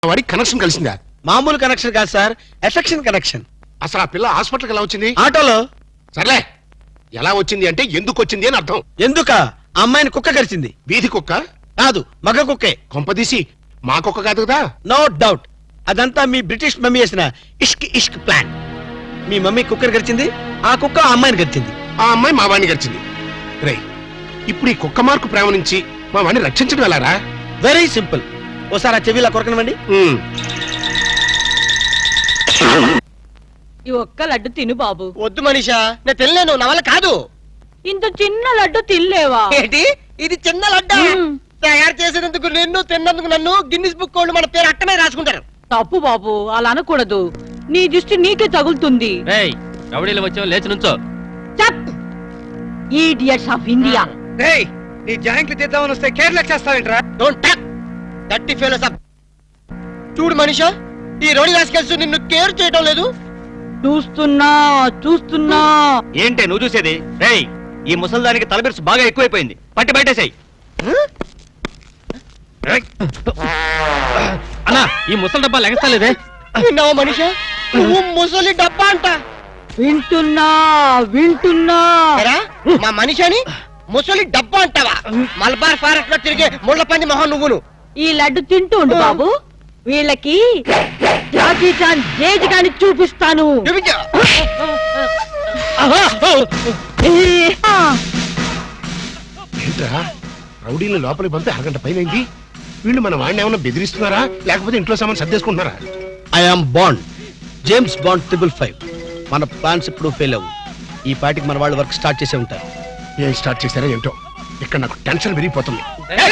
వాడికి కనెక్షన్ కలిసిందా? మామూలు కనెక్షన్ కాదు సార్, ఎఫెక్షన్ కనెక్షన్. అసలు ఆ పిల్ల హాస్పిటల్కి ఎలా వచ్చింది? ఆటోలో. సర్లే, ఎలా వచ్చింది అంటే ఎందుకు వచ్చింది అని అర్థం. ఎందుక? అమ్మాయిని కుక్క కరిచింది. వీధి కుక్క కాదు, మగ కుక్కే. కొంపదీసి మా కుక్క కాదు కదా? నో డౌట్, అదంతా మీ బ్రిటిష్ మమ్మీ చేసిన ఇష్క్ ఇష్క్ ప్లాన్. మీ మమ్మీ కుక్కర్ గడిచింది, ఆ కుక్క ఆ అమ్మాయిని గడిచింది. ఆ అమ్మాయి మా వాడిని గడిచింది. రే, ఇప్పుడు ఈ కుక్క మార్కు ప్రేమ నుంచి మా వాడిని రక్షించడం ఎలారా? Very simple. ఓసారి ఆ చెవిలా కొరకనివ్వండి. ఈ ఒక్క లడ్డు తిను బాబు. వద్దు మనీషా, నేను తినలేను, నా వల్ల కాదు. ఇంత చిన్న లడ్డు తినలేవా? ఏంటి ఇది చిన్న లడ్డు? తయారు చేసినందుకు నిన్ను, తిన్నందుకు నన్ను గిన్నిస్ బుక్ వాళ్ళు మన పేరు అట్టనే రాసుకుంటారు. తప్పు బాబు, అలా అనకూడదు. నీ దృష్టి నీకే తగులుతుంది. రౌడీలు వచ్చావు, లేచి నుంచో. Idiots of India. నీ జాయింట్లు తీద్దామని వస్తే కేర్లెస్ చేస్తావేంట్రా? డోంట్ టాక్ దట్టి ఫెలోస్ అప్. చూడు మనీషా, ఈ రోడి రాసుకెళ్తూ నిన్ను కేర్ చేయడం లేదు. చూస్తున్నా. ఏంటే నువ్వు చూసేది? రేయ్, ఈ ముసల్దానికి తలబిరుసు బాగా ఎక్కువైపోయింది, పట్టి బయటేసాయి. అన్నా, ఈ ముసలి డబ్బా లెగస్తలేదే. విన్నావా మనీషా, నువ్వు ముసలి డబ్బా అంట. వింటున్నా. మా మనిషిని ముసలి డబ్బా అంటావా? మలబార్ ఫారెస్ట్ లో తిరిగే ముళ్ళ పంది మొహం నువ్వును. ఈ లడ్డు తింటూ ఉండు బాబు, వీళ్ళకి జాకీ చాన్ జేజ్ గాని చూపిస్తాను. ఏంట్రా, రౌడీని లోపలికి పంపి అరగంట పైనైంది. వీళ్ళు మన వాడిని ఏమన్నా బెదిరిస్తున్నారా, లేకపోతే ఇంట్లో సామాన్ సర్దేసుకుంటున్నారా? I'm Bond, James Bond 555. మన ప్లాన్స్ ఇప్పుడు ఫెయిల్ అవ్వు. ఈ పార్టీకి మన వాళ్ళు వర్క్ స్టార్ట్ చేసే ఉంటారు. ఏం స్టార్ట్ చేశారో ఏంటో, ఇక్కడ నాకు టెన్షన్ పెరిగిపోతుంది.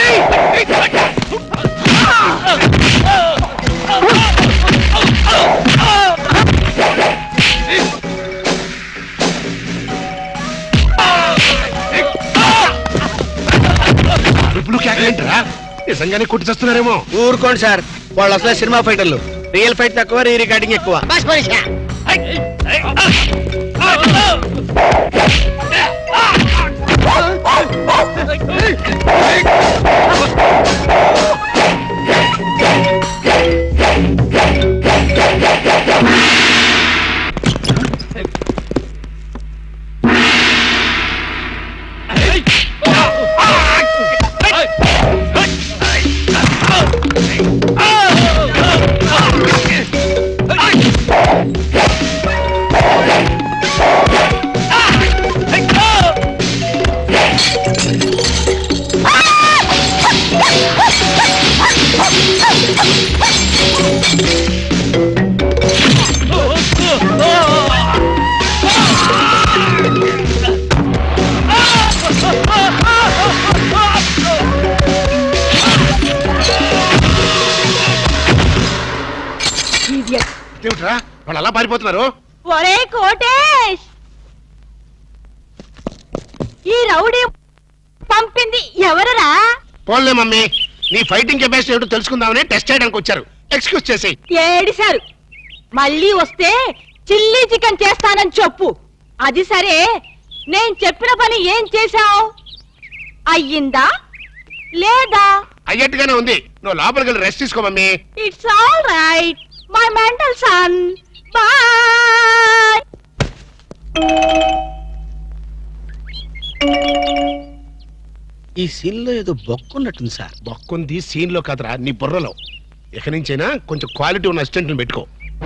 ఏంట్రా, నిజంగానే కొట్టి చేస్తున్నారేమో. ఊరుకోండి సార్, వాళ్ళు అసలు సినిమా ఫైటర్లు. రియల్ ఫైట్ తక్కువ, రీ రికార్డింగ్ ఎక్కువ. ఏమిట్రా వాళ్ళు అలా పారిపోతున్నారు? ఒరే కోటేష్, ఈ రౌడీ పంపింది ఎవరరా? పోన్లే మమ్మీ, నీ ఫైటింగ్ కెపాసిటీ ఏమిటో తెలుసుకుందామని టెస్ట్ చేయడానికి వచ్చారు. ఎక్స్క్యూజ్ చేసి. ఏడిశారు. మళ్ళీ వస్తే చిల్లీ చికెన్ చేస్తానని చెప్పు. అది సరే, నేను చెప్పిన పని ఏం చేశావు? అయ్యిందా లేదా? అయ్యట్టుగానే ఉంది. నువ్వు లోపలికి వెళ్ళి రెస్ట్ తీసుకో mummy. It's all right my mental son. Bye. ఈ సీన్ లో ఏదో బొక్కున్నట్టుంది సార్. బొక్కుంది సీన్ లో కాదురా, నీ బుర్రలో. ఇక నుంచైనా కొంచెం క్వాలిటీ ఉన్న అసిస్టెంట్ పెట్టుకో.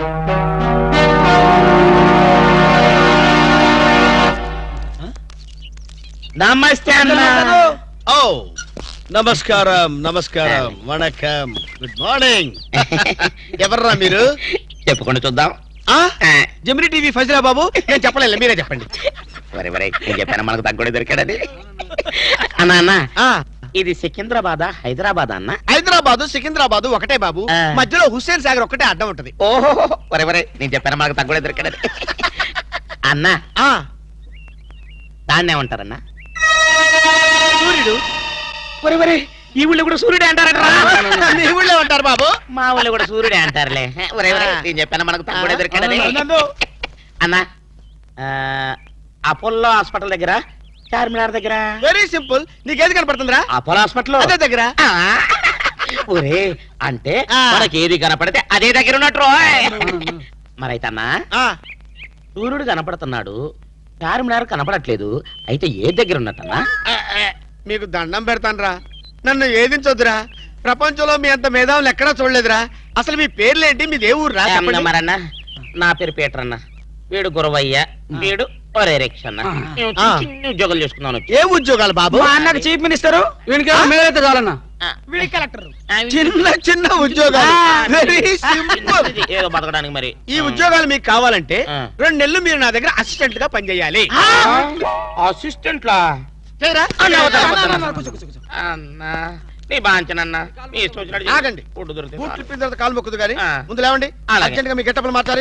నమస్తే అన్న. ఓ నమస్కారం, నమస్కారం, వణకం, గుడ్ మార్నింగ్. ఎవర్రా మీరు? చెప్పుకుంటూ చూద్దాం. జమిని టీవీ ఫజరా బాబు. నేను చెప్పలేదు, మీరే చెప్పండి. నేను చెప్పాను మనకు తగ్గుడే దొరికాడని. అన్నా అన్న, ఇది సికింద్రాబాద్ హైదరాబాద్ అన్న? హైదరాబాద్ సికింద్రాబాద్ ఒకటే బాబు, మధ్యలో హుస్సేన్ సాగర్ ఒకటే అడ్డం ఉంటది. ఓహో, నేను చెప్పాను మనకు తగ్గుడే దొరికాడని. అన్న, దాన్ని ఏమంటారన్నా? సూర్యుడు. ఈ ఊళ్ళో కూడా సూర్యుడే అంటారట. ఈ ఊళ్ళో ఉంటారు బాబు. మా ఊళ్ళో కూడా సూర్యుడే అంటారులే. నేను చెప్పాను మనకు తగ్గుడే దొరికాడని. అన్న, అపోలో హాస్పిటల్ దగ్గర, చార్మినార్ దగ్గర. Very simple. నీకేది కనపడుతుందిరా? అపోలో హాస్పిటల్ అదే దగ్గర. ఒరే అంటే ఆ. మనకి ఏది కనపడితే అదే దగ్గర ఉన్నట్టు మరైతే అన్నా సూర్యుడు కనపడుతున్నాడు చార్మినార్ కనపడట్లేదు అయితే ఏ దగ్గర ఉన్నట్టన్నా మీకు దండం పెడతానురా, నన్ను ఏదించొద్దురా. ప్రపంచంలో మీ అంత మేధావులు ఎక్కడా చూడలేదురా. అసలు మీ పేర్లేంటి, మీది ఏ ఊరు రా? మరన్నా నా పేరు పీటర్ అన్న, వీడు గురవయ్య, వీడు ఒరే రిక్ష అన్న. మేము ఆ. చిన్న ఉద్యోగాలు చేసుకున్నాను. ఏ ఉద్యోగాలు బాబు? అన్నకు చీఫ్ మినిస్టర్ మేలైతే చాలన్నా. చిన్న చిన్న ఉద్యోగాలు, వెరీ సింపుల్. ఏదో బతకడానికి మరి ఈ ఉద్యోగాలు మీకు కావాలంటే ఆ. 2 నెలలు మీరు నా దగ్గర అసిస్టెంట్ గా పనిచేయాలి. అసిస్టెంట్ లా చేయరా? అన్నా నీ బాంచనన్నా నీ ఇష్టం వచ్చినట్టు ఆగండి. ఫుడ్ దొరికితే బూట్లు ఇప్పిన తర్వాత కాలు మొక్కుదు కానీ ఆ. ముందు లేవండి. అలాగే. అర్జెంట్ గా మీ గెట్టపలు మార్చాలి.